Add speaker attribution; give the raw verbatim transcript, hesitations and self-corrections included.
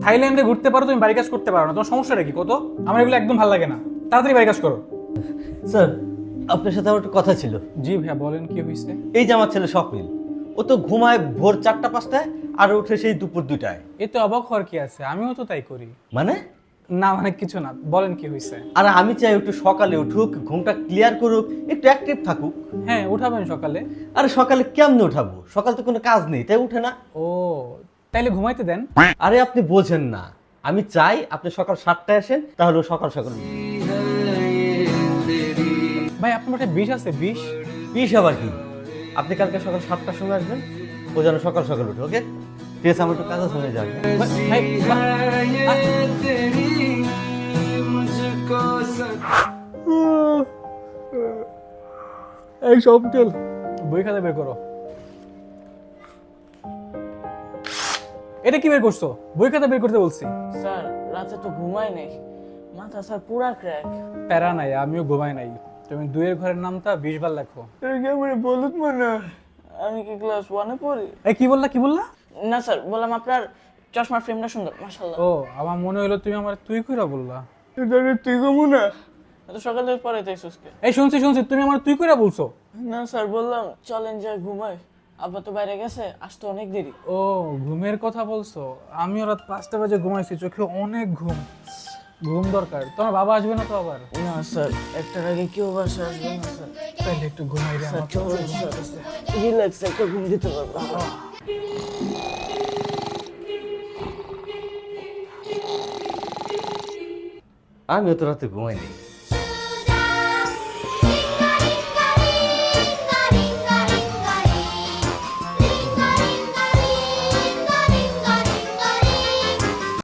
Speaker 1: থাইল্যান্ডে ঘুরতে পারো, তুমি বাড়ি কাজ করতে পারো না, তোমার সমস্যাটা কি কত? আমার এগুলো একদম ভালো লাগে না, তাড়াতাড়ি বাড়ি কাজ করো।
Speaker 2: স্যার আপনার সাথে আমার একটা কথা ছিল।
Speaker 1: জি ভাইয়া বলেন, কি হয়েছে?
Speaker 2: এই যে আমার ছেলে স্বপ্নিল, ও তো ঘুমায় ভোর চারটা পাঁচটায় আর উঠে সেই দুপুর দুটায়।
Speaker 1: এতে অবাক হওয়ার কি আছে, আমিও তো তাই করি।
Speaker 2: মানে?
Speaker 1: না মানে কিছু না, বলেন কি হয়েছে?
Speaker 2: আর আমি চাই একটু সকালে উঠুক, ঘুমটা ক্লিয়ার করুক, একটু অ্যাক্টিভ থাকুক।
Speaker 1: হ্যাঁ উঠাবেন সকালে।
Speaker 2: আরে সকালে কেমনে উঠাবো? সকাল তো কোনো কাজ নেই, তাই উঠে না।
Speaker 1: ও তাইলে ঘুমাইতে দেন।
Speaker 2: আরে আপনি বোঝেন না, আমি চাই আপনি সকাল সাতটায় আসেন, তাহলে ও সকাল সকাল উঠবে।
Speaker 1: ভাই আপনার মাঠে বিষ আছে? বিষ?
Speaker 2: বিশ আবার কি? আপনি কালকে সকাল সাতটার সময় আসবেন, ও যেন সকাল সকাল উঠে। ওকে ঠিক আছে, আমার একটু কাজ আছে, হয়ে যাবে।
Speaker 1: ভাই এই সব চল, বই খাতা বের করো। এটা কি বের করছো? বই খাতা বের করতে বলছি।
Speaker 3: স্যার রাতে তো ঘুমাই নাই, মাথা স্যার পুরা ক্র্যাক।
Speaker 1: প্যারা নাই, আমিও ঘুমাই নাই। তুমি দুইয়ের ঘরের নামটা বিশ বার লেখো।
Speaker 3: বলুন মনে আমি কি ক্লাস ওয়ানে পড়ি?
Speaker 1: এই কি বললা, কি বললা?
Speaker 3: না স্যার, বললাম আপনার চশমার ফ্রেমটা সুন্দর, মাশাআল্লাহ।
Speaker 1: ও আমার মনে হলো তুমি আমার তুই কইরা বললা।
Speaker 3: তুই ঘুমু না তো সকালে পরে তাই সুস্কে।
Speaker 1: এই শুনছি শুনছি, তুমি আমার তুই কইরা বলছো।
Speaker 3: না স্যার, বললাম চলেন যা ঘুমাই, আব্বা তো বাইরে গেছে, আসতে অনেক দেরি।
Speaker 1: ও ঘুমের কথা বলছো, আমিও রাত পাঁচটা বাজে ঘুমাইছি, চোখে অনেক ঘুম। ঘুম দরকার। তোমার বাবা আসবে না তো আবার?
Speaker 3: না স্যার, একটার আগে কেউ বাসা আসবে না স্যার।
Speaker 1: তাইলে একটু ঘুমাই রে আমার।
Speaker 3: চলেন স্যার, রিল্যাক্স একটা ঘুম দিতে পারবো।
Speaker 2: আমিও তো রাতে ঘুমাই নেই।